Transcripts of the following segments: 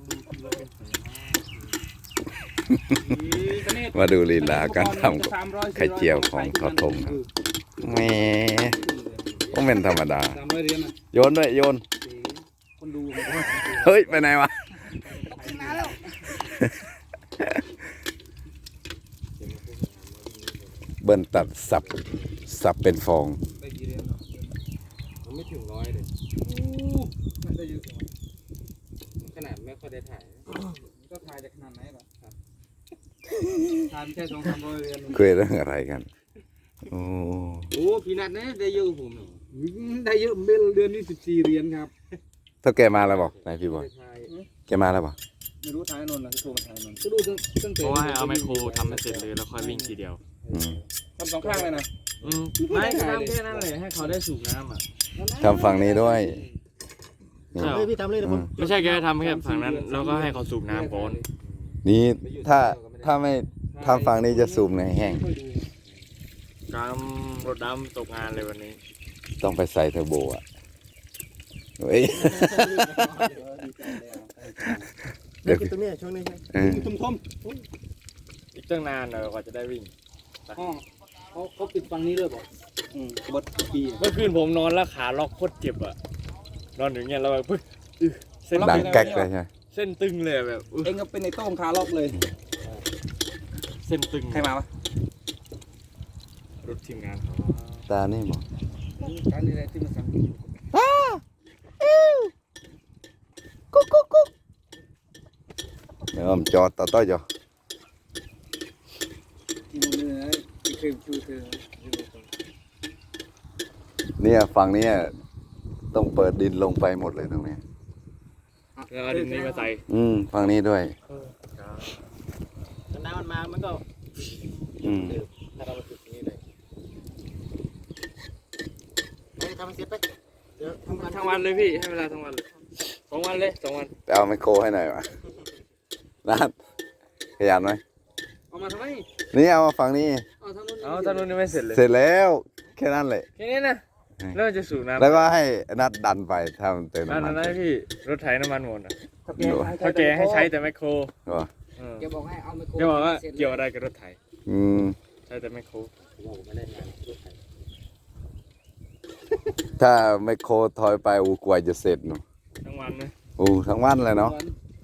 มาดูลีลาการทำไข่เจียวของทอทงครับแหมก็เป็นธรรมดาโยนด้วยโยนเฮ้ยไปไหนวะเบิ้ลตัดสับเป็นฟองไม่ถึง100เลยได้เยอะขนาดไม่ค่อยได้ถ่ายก็ถ่ายจากขนาดไหนหรอครับถ่ายแค่200-300 เรือนคุยเรื่องอะไรกันโอ้พี่นัทเนี่ยได้เยอะผมได้เยอะเดือนนี้14 เหรียญครับถ้าแกมาแล้วบอกนายพี่บอยแกมาแล้วบอกไม่รู้ถ่ายนนท์นะโทรมาถ่ายนนท์ก็ดูตั้งแต่เพราะว่าให้เอาไมโครทำให้เสร็จเลยแล้วค่อยวิ่งทีเดียวทำ2 ข้างเลยนะไม่ทำแค่นั้นเลยให้เขาได้สูบน้ำอ่ะทำฝั่งนี้ด้วยพี่ทำเลยนะไม่ใช่แกทำแค่ฝั่งนั้นแล้วก็ให้เขาสูบน้ำก่อนนี่ถ้าไม่ทำฝั่งนี้จะสูบในแห้งการรถดำตกงานเลยวันนี้ต้องไปใส่เทอร์โบอ่ะเฮ้ยเดี๋ยวตรงนี้ช่วงนี้ทุ่มอีกตั้งนานเลยกว่าจะได้วิ่งเขาปิดฝั่งนี้ด้วยป่ะบดปีเมื่อคืนผมนอนแล้วขาล็อกโคตรเจ็บอ่ะนอนอย่างเงี้ยแล้วแบบเส้นดังแก๊กเลยใช่เส้นตึงเลยแบบเองก็เป็นในโต้งขาล็อกเลยเส้นตึงใครมาวะรถทีมงานตานี่บอกการอะไรที่มาสั่งกุ๊กเดี๋ยวผมจอดต่อจ่อที่มือนะที่เคยชูเธอเนี่ยฝั่งนี้ต้องเปิดดินลงไปหมดเลยตรงนี้แล้วเอาดินนี้มาใส่ฝั่งนี้ด้วยน้ำมันมามันก็ถ้าเรามาจุดนี้เลยทำเสร็จไปเดี๋ยวทั้งวันเลยพี่ให้เวลาทั้งวันเลย2 วันเลย2 วันไปเอาไมโครให้หน่อยวะนัดขยันไหมเอามาทำไมนี่เอามาฝั่งนี้เอาทางนู้นยังไม่เสร็จเลยเสร็จแล้วแค่นั้นเลยแค่นี้นะแล้วจะสูบน้ำแล้วก็ให้นัดดันไปทำเติมน้ำมันนั่นพี่รถไถน้ำมันหมดเขาแกให้ใช้แต่ไมโครแกบอกให้เอาไมโครแกบอกว่าเกี่ยวอะไรกับรถไถใช้แต่ไมโครไม่ได้งานรถไถถ้าไมโครถอยไปกว่าจะเสร็จเนาะทั้งวันไหมทั้งวันเลยเนาะ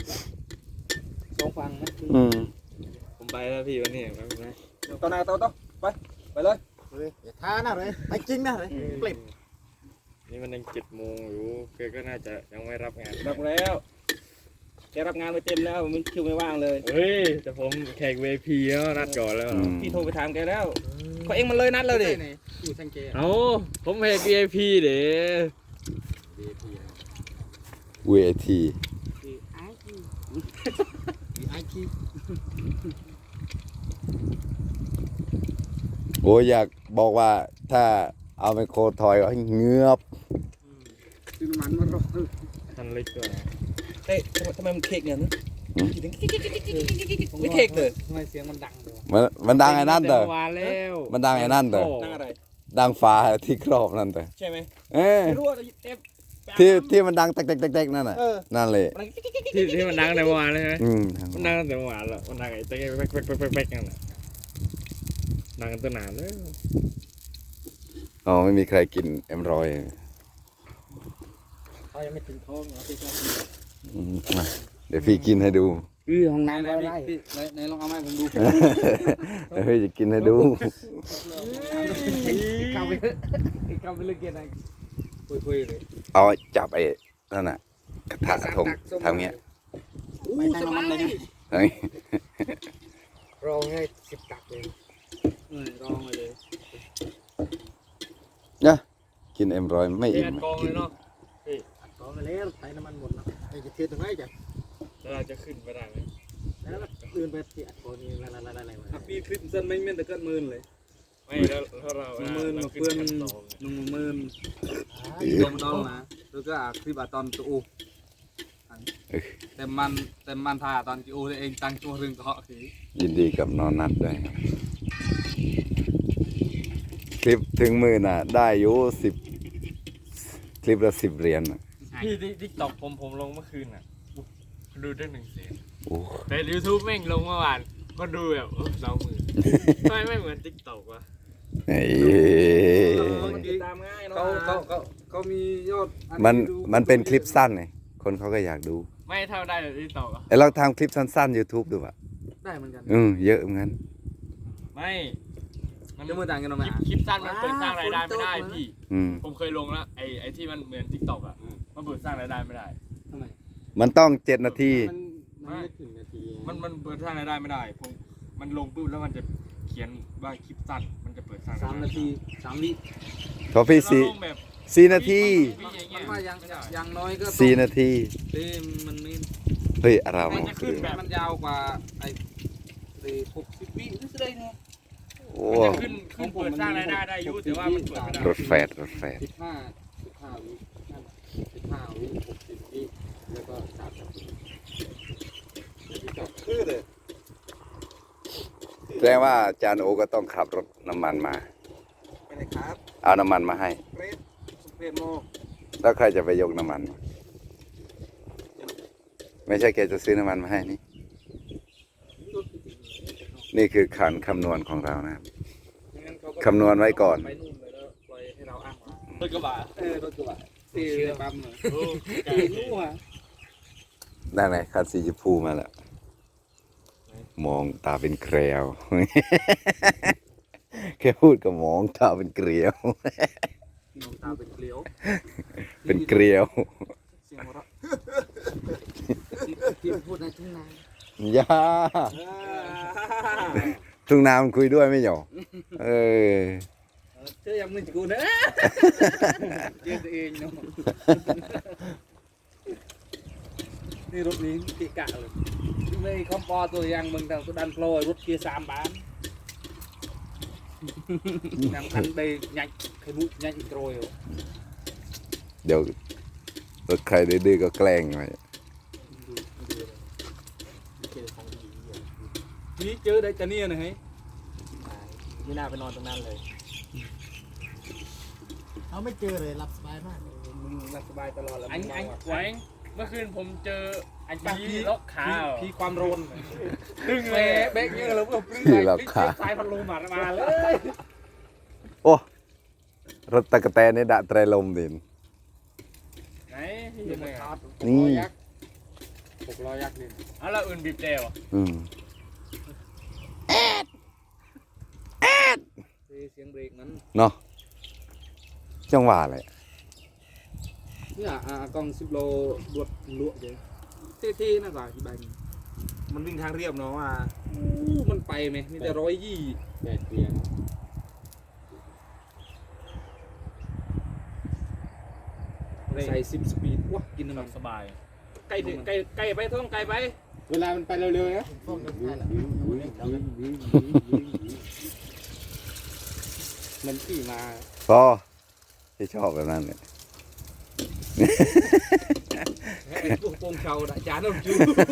2 ฟังนะผมไปแล้วพี่วันนี้ไปตอนไหนต่อไปเลยอย่าท้านะเลยไปจริงนะเลยเปลี่ยนนี่มันยัง7 โมงอยู่แกก็น่าจะยังไม่รับงานรับแล้วแกรับงานไปเต็มแล้วมันคิวไม่ว่างเลยเฮ้ยแต่ผมแขก VIP แล้วนัดก่อนแล้วพี่โทรไปถามแกแล้วเขาเองมันเลยนัดเลยดิเอาผมแขก VIP เด้ VAT โอ้อยากบอกว่าถ้าเอาไมโครถอยก็เงือบซื้อน้ำมันมารอทันเล็กด้วยเฮ้ยทำไมมันเค้กเนี่ยไม่เค้กเลยทำไมเสียงมันดังเลยมันดังไอ้นั่นเถอะมันดังไอ้นั่นเถอะดังอะไรดังฟ้าที่ครอบนั่นเถอะใช่ไหมไม่รู้ที่มันดังแตกๆนั่นน่ะนั่นเลยที่มันดังในเมื่อวานเลยใช่ไหมมันดังตั้งแต่เมื่อวานแล้วมันดังไอ้ตะเกียบแป๊กนั่นแหละดังกันตั้งนานเลยไม่มีใครกินM100 เขายังไม่ถึงท้องเอาไปกินเดี๋ยวพี่กินให้ดูห้องน้ำอะไรไหนลองเอาไม้ผมดูเฮ้ยจะกินให้ดูเข้าไปเลยเกียร์ไหนคุยเลยเอาจับไอ้นั่นน่ะกระทะทงทำเงี้ยไม่ใช่มันเลยรองให้10 ตักเลยรองเลยเนี่ยกินM100ไม่อิ่มกินเนาะกองไปแล้วใส่น้ำมันหมดแล้วจะเทตรงไหนจ้ะแล้วเราจะขึ้นไปได้ไหมแล้วเดินไปที่อัดโคนนี้อะไรปีคลิปเส้นไม่เม่นแต่เกิน10,000เลยไม่แล้วถ้าเรา 10,000เพื่อน10,000ตรงดองนะแล้วก็คลิปตอนตัวแต่มันถ่ายตอนจีโอเองตั้งตัวเรื่องเขาคือยินดีกับนอนนัดด้วยคลิปถึง10,000น่ะได้อยู่10 คลิปละ10 เหรียญพี่ติ๊กต็อกผมลงเมื่อคืนน่ะดูได้100,000 โอ้แต่ YouTube แม่งลงเมื่อวานคนดูแบบ20,000ทำไมไม่เหมือน TikTok วะเฮ้ยติดตามง่ายเนาะเขามียอดมันเป็นคลิปสั้นไงคนเขาก็อยากดูไม่เท่าได้แต่ TikTok อ่ะไอ้เราทำคลิปสั้นๆ YouTube ดูอ่ะได้เหมือนกันเยอะเหมือนกันไม่มันจะมือต่างกันออกมาคลิปสั้นมันเปิดสร้างรายได้ไม่ได้พี่อืมผมเคยลงแล้วไอ้ที่มันเหมือน TikTok อ่ะมันเปิดสร้างรายได้ไม่ได้ทำไมมันต้อง7 นาทีมันไม่ถึงนาทีมันเปิดสร้างรายได้ไม่ได้มันลงปุ๊บแล้วมันจะเขียนว่าคลิปสั้นมันจะเปิดสร้างรายได้ 3 นาที3 วิพอพี่เราลงแบบ 4 นาทีมันว่ายังน้อยก็ 4 นาทีเต้มันไม่เฮ้ยอะไรมันวะจะขึ้นแบบมันยาวกว่าไอ้60 วินี่ได้ไงโอ้มันจะขึ้นเปิดสร้างรายได้ได้อยุ่แต่ว่ามันเปิดไม่ได้รถแฟด 15วิ15วิ60 วิแล้วก็30 วิคือเลยแสดงว่าอาจารย์โอก็ต้องขับรถน้ำมันมาไปเลยครับเอาน้ำมันมาให้เฟรดเฟรดโมแล้วใครจะไปยกน้ำมันมาไม่ใช่แกจะซื้อน้ำมันมาให้นี่ นี่คือขันคำนวณของเรานะครับ คำนวณไว้ก่อนไปนู่นเลยแล้วปล่อยให้เราอ้างว่ารถกระบะรถกระบะตีปั๊มเลยโอ้ไก่รู้อ่ะได้ไหนคันสีชมพูมาแล้ว มองตาเป็นเกลียว แค่พูดก็มองตาเป็นเกลียวน้องตาเป็นเกลียวเป็นเกลียวเสียงหัวเราะที่พูดในทุ่งนาย่าทุ่งนามันคุยด้วยไม่หยอเออเชื่อยังมึงกูนะเชื่อตัวเองเนาะนี่รถนี้ติกะเลยไม่คอมปอตัวยังมึงแต่ตัวดันโปรยรถเกียร์3 บานนำคันไปยัดขมุยัดอีกโรยเดี๋ยวรถใครดื้อๆก็แกล้งไปนี่เจอได้จะเนี่ยนะเฮ้ยไม่น่าไปนอนตรงนั้นเลยเขาไม่เจอเลยรับสบายมากมึงรับสบายตลอดแล้วอันแหวงเมื่อคืนผมเจออันพี่พีล็อกขาพี่ความโรนตึงเบเลยเบกเยอะแล้วก็ปลื้มพี่เราขาสายพันลมมาเลยโอ้รถตะกะแตนนี่ดะไตรลมดินไหนพี่ยังไงนี่ 600 ยักษ์นี่เอาแล้วอื่นบีบเร็วอืมเสียงเบรกนั้นเนาะจังหวะเลยเนี่ยกล้อง10 โลรวดลวกเลยเท่ๆนะก่อนที่ใบมันวิ่งทางเรียบเนาะมันไปไหมมีแต่120แต่เกียร์ใส่10 สปีดว้ากินน้ำมันสบายไก่ไปท้องไก่ไปเวลามันไปเร็วๆนะพวกนี้ใช่หรอมันขี่มาพอที่ชอบแบบนั้นเนี่ยไอ้พวกโป่งเชาด่าจานน้ำจู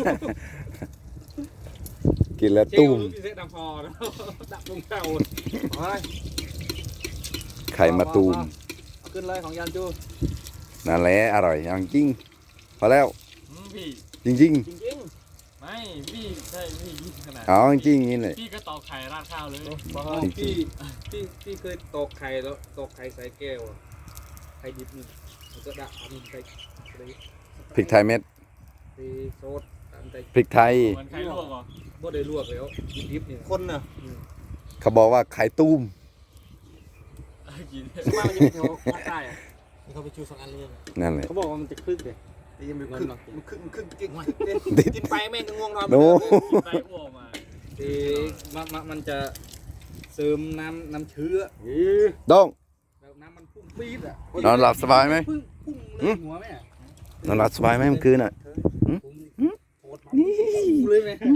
กินแล้วตุ้ตุ้มมที่เซ็ตน้ำพอแล้วดับโป่งเชาไปไข่มาตูมเอาขึ้นเลยของยันจูนั่นแหละอร่อยอย่างจริง พอแล้วพี่จริงจริงไม่พี่ใช่พี่ยิ่งขนาดๆเอาจริงๆนี่เลยพี่ก็ตอกไข่ราดข้าวเลยๆพี่เคยตอกไข่แล้วตอกไข่ใส่แก้วไข่ดิบนี่แล้วก็ดับมันใส่พริกไทยเม็ดโซดตามใจพริกไทยเหมือนไข่ลวกเหรอบ่ได้ลวกแล้วดิบนี่คนน่ะเขาบอกว่าไข่ตุ้มกินมามันจะเป็นแถวภาคใต้อะนี่เขาไปชู2 อันเลยนั่นเลยเขาบอกว่ามันจะคลึกเลยแต่ยังไม่คลึกมันคลึกกินไปแม่งก็ง่วงนอนโน้ไข่อ้วกมามันจะเสริมน้ำเชื้อต้องแล้วน้ำมันพุ่งปี๊ดอ่ะนอนหลับสบายไหมพุ่งเลยหัวแม่นอนหลับสบายไหมเมื่อคืนอ่ะโคตรมันเลยไหมมัน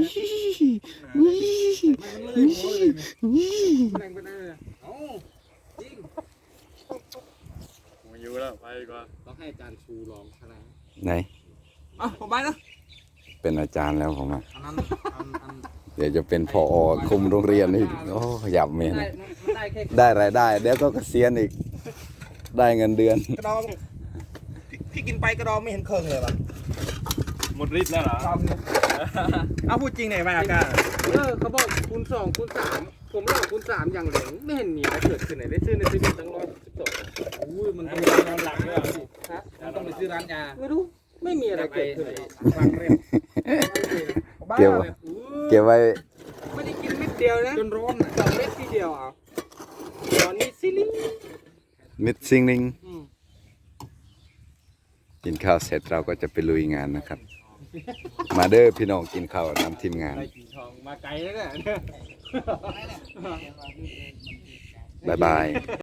เลยหัวเลยไหมแรงไปได้เลยเอ้าจริงผมอยู่แล้วไปดีกว่าต้องให้อาจารย์ชูลองขนาดไหนอ่ะผมไปนะเป็นอาจารย์แล้วผมอ่ะอันนั้นเดี๋ยวจะเป็นพอคุมโรงเรียนอีกโอ้หยับเมนได้แค่ได้รายได้ เดี๋ยวก็เกษียณอีก ได้เงินเดือนกระดองพี่กินไปกระดองไม่เห็นเคิงเลยป่ะหมดฤทธิ์แล้วเหรอเอาพูดจริงหน่อยไหมอาการเขาบอกคูณ2คูณ3ผมลองคูณ3อย่างเหลงไม่เห็นมีอะไรเกิดขึ้นไหนได้ซื้อในซีเมนต์ตั้ง112อุ้ยมันต้องไปนอนหลังด้วยฮะมันต้องไปซื้อร้านยาไม่รู้ไม่มีอะไรเกิดขึ้นฟังเร็วเกี่ยวเกี่ยวไว้ไม่ได้กินเม็ดเดียวนะจนร้อน2 เม็ดทีเดียวอ่ะตอนนี้ซิลิงมิดซิงนิงกินข้าวเสร็จเราก็จะไปลุยงานนะครับ มาเด้อพี่น้องกินข้าวนำทีมงานไล่กิ่งทองมาไกลแล้วเนี่ยบ๊ายบาย